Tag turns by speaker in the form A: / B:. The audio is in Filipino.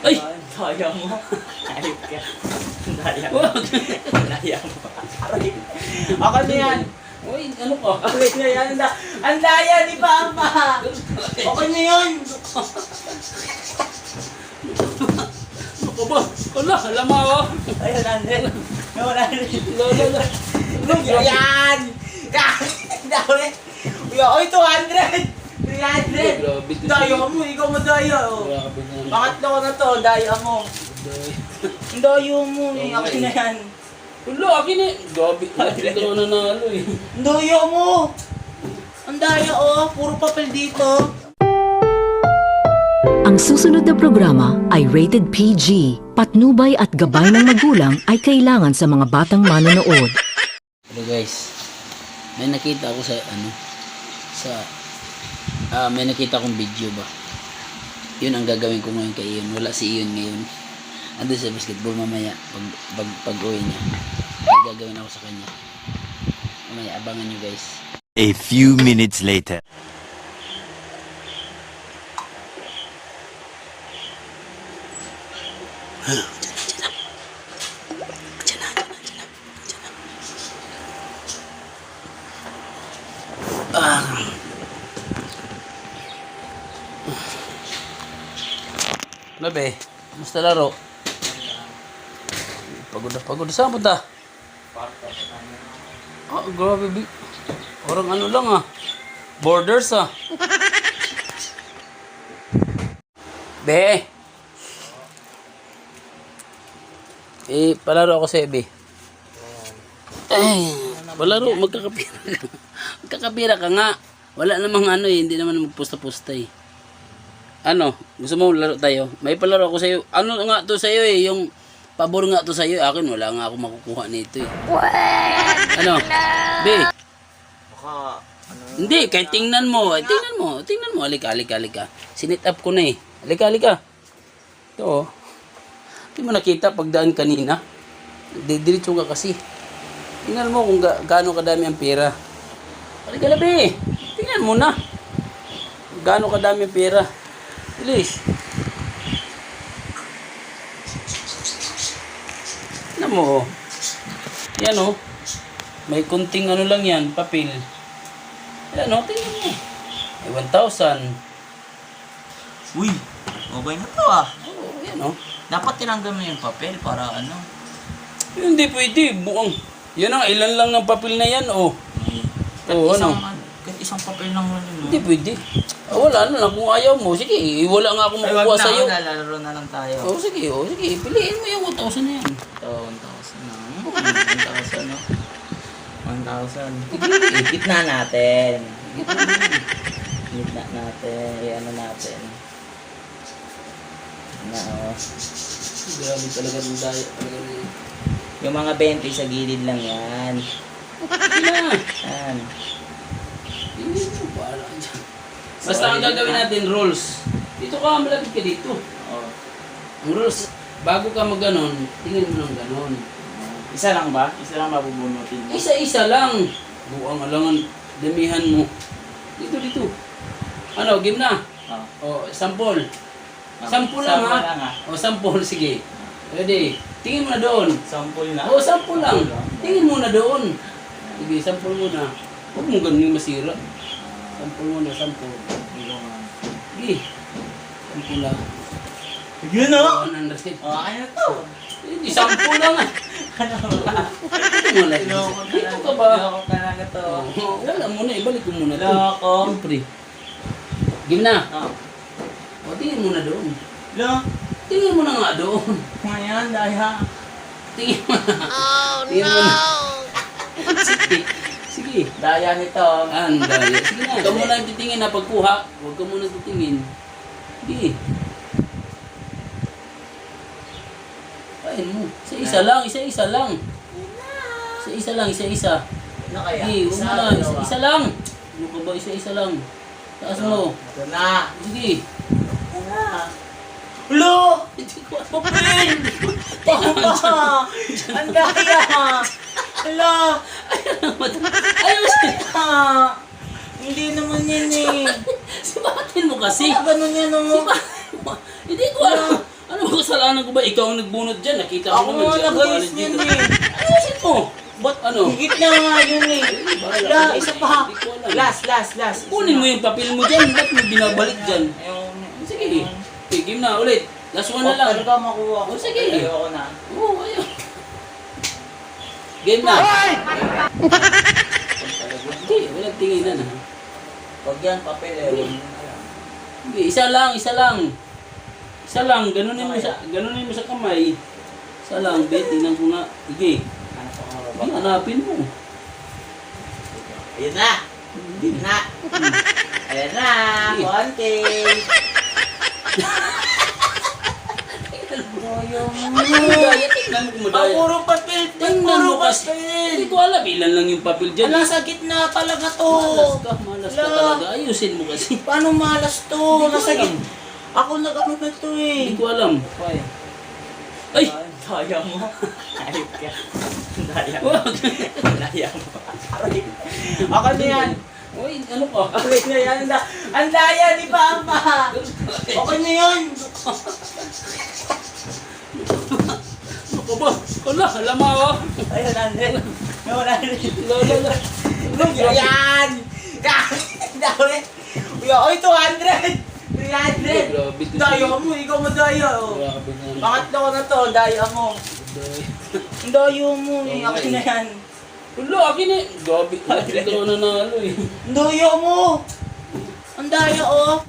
A: Ay!
B: Daya mo. Ayop ka. Daya mo.
A: Wag!
B: Daya mo. Aray. Ako na yan.
A: Uy, ano ka?
B: Okay na yan. Ang daya ni Papa. Okay na yan.
A: Ano ba? Wala, alam mo ako.
B: Ayun, Andel. Nawala rin.
A: Lolo.
B: Yan! Yan! Dami! Uy, 200! 300!
A: Grabe to
B: Daya
A: siya.
B: mo, ikaw madaya oh.
A: Grabe na.
B: Pangatlo ko na to, daya mo. Ang daya mo eh, akin na yan.
A: Wala, akin eh. Grabe. Hindi ko nanalo eh.
B: Ang daya mo! Ang daya oh, puro papel dito.
C: Ang susunod na programa ay rated PG. Patnubay at gabay ng magulang ay kailangan sa mga batang manonood.
A: Hello guys. May nakita ako may nakita akong video ba. Yun ang gagawin ko ngayon kay Iyon. Wala si Iyon ngayon. Andun sa basketball mamaya pag uwi niya. May gagawin ako sa kanya. Mamaya abangan nyo guys.
D: A few minutes later.
A: Labe, musta laro? Pagod na pagod. Saan punta? Ah, grabe. Orang ano lang ah. Borders ah. Be. Palaro ako sa Be. Palaro. Magkakapira ka. Magkakapira ka nga. Wala namang ano eh. Hindi naman magpusta-pusta eh. Ano? Gusto mo laro tayo? May palaro ako sa'yo. Ano nga to sa'yo eh? Yung pabor nga to sa'yo. Akin wala nga ako makukuha nito eh. Ano? Be?
B: Baka,
A: Hindi, kahit tingnan mo. Tingnan mo. Halika. Sinit up ko na eh. Halika. Ito oh. Hindi mo nakita pagdaan kanina. Didiretso ka kasi. Tingnan mo kung gaano kadami ang pera. Halika na be. Tingnan mo na. Gaano kadami ang pera. Bilis. Ano mo oh. Yan oh. May kunting ano lang yan, papel. Yan oh, tingnan mo. May 1,000.
B: uy, okay na to ah.
A: Oo, yan oh.
B: Dapat tinanggal mo yung papel para ano.
A: Hindi pwede, buong. Yan ang ilan lang ng papel na yan oh. Oo, ano?
B: Kahit isang papel lang mo yun.
A: Hindi pwede. Wala na lang kung ayaw mo. Sige, wala nga ako makukuha sa'yo.
B: Lalaro na lang tayo.
A: Sige. Piliin mo yung 1,000 na yan.
B: Ito, 1,000 na. 1,000 no? 1,000. Gitna natin. Gitna natin. I-ano natin. Na oh.
A: Grabe talaga ng diet.
B: Yung mga 20 sa gilid lang yan. Yan.
A: Hindi mo, bahala ka dyan. Basta ang gagawin natin, rules. Dito ka, malapit ka dito.
B: Oh.
A: Ang rules, bago ka mag-ganon, tingin mo ng ganon.
B: Isa lang ba? Isa lang mabubunutin mo?
A: Isa-isa lang. Buang alangan, damihan mo. Dito. Ano, game na?
B: Oh.
A: Sample. Sample lang ha? Sample, sige. Ready? Tingin mo na doon.
B: Sample na?
A: Sample lang. Tingin mo na doon. Sige, sample mo na. Huwag mo ganun masira. Sample mo na, sample. Sige. Sample lang.
B: Yun o!
A: 100.
B: Ano to?
A: Hindi, sample lang ah.
B: Ano ba?
A: Dito mo na. Dito ka ba?
B: Loko talaga to.
A: Wala mo na, ibalik ko muna to.
B: Loko.
A: Siyempre. Game na.
B: Oh.
A: Tingin mo na doon.
B: Loko.
A: Tingin mo na nga doon.
B: Ngayon, daya.
A: Tingin mo na. Oh no! Sige.
B: Daya nito.
A: Daya. Sige na. Huwag ka muna titingin na pagkuha. Huwag ka muna titingin. Sige. Kain mo. Isa-isa lang. Isa-isa lang. Isa-isa.
B: Ano kaya?
A: Sige, huwag mo na. Isa-isa lang. Ano ka ba? Isa-isa lang. Taas mo.
B: Ito na.
A: Sige.
B: Ito na. Ulo! Papel! Papa! Ang daya! Hala!
A: Ayaw siya.
B: Hindi naman yan eh.
A: Sibatin mo kasi.
B: Ganun yan oh.
A: Hindi ko alam. Ano ba kasalanan ko ba? Ikaw ang nagbunot dyan. Nakita
B: Ako
A: mo naman.
B: nga nag-ayos
A: dito.
B: niyan eh.
A: Ayusin mo.
B: Ba't
A: Ano?
B: higit na nga yun eh. Wala, isa pa.
A: Hindi ko alam.
B: Last.
A: Kunin mo yung papel mo dyan. Ba't mo binabalik dyan?
B: Ayun.
A: Sige. Okay, game na. Ulit. Last one na lang.
B: Talaga makuha ko.
A: Oh, sige.
B: Ayoko na.
A: Oo, ayun. Game na. Hindi, walang tinginan ha.
B: Pag yan, papel eh. Huwag mo na lang.
A: Hindi, isa lang. Isa lang, ganunin mo sa kamay. Isa lang, bet, tingnan ko nga. Sige,
B: Ano pa nga ba?
A: hindi, hanapin mo.
B: Ayun na. Ayun na. Ayan na. Konti.
A: Madaya, tingnan mo kung
B: Ah,
A: madaya.
B: puro papel.
A: Tingnan
B: Puro
A: mo kasi. Hindi
B: papel.
A: ko alam, ilan lang yung papel dyan.
B: Wala sa gitna talaga to.
A: Malas ka
B: Wala.
A: talaga. Ayusin mo kasi.
B: Paano malas to?
A: Hindi ko
B: Nasa
A: alam.
B: gitna. Ako nag-ano na to eh.
A: Hindi ko alam.
B: Ay.
A: Ay!
B: Daya mo. Ayop ka. Daya mo.
A: Wag.
B: Daya mo. Aray. Ako na yan.
A: Uy, ano ka?
B: Okay na yan. Ang daya ni Papa. Okay na yan.
A: Ano ka ba? Wala, alam mo ako.
B: Ayun, Andren. No, Andren.
A: Lala.
B: Yan! Dami! Uy, 200! 300!
A: Grabe to
B: Daya
A: siya.
B: mo, ikaw madaya oh.
A: Grabe na.
B: Pangatlo ko na to, daya mo. Ang daya mo eh, akin na yan.
A: Wala, akin eh. Grabe. Hindi ko nanalo eh.
B: Ang daya mo! Ang daya oh.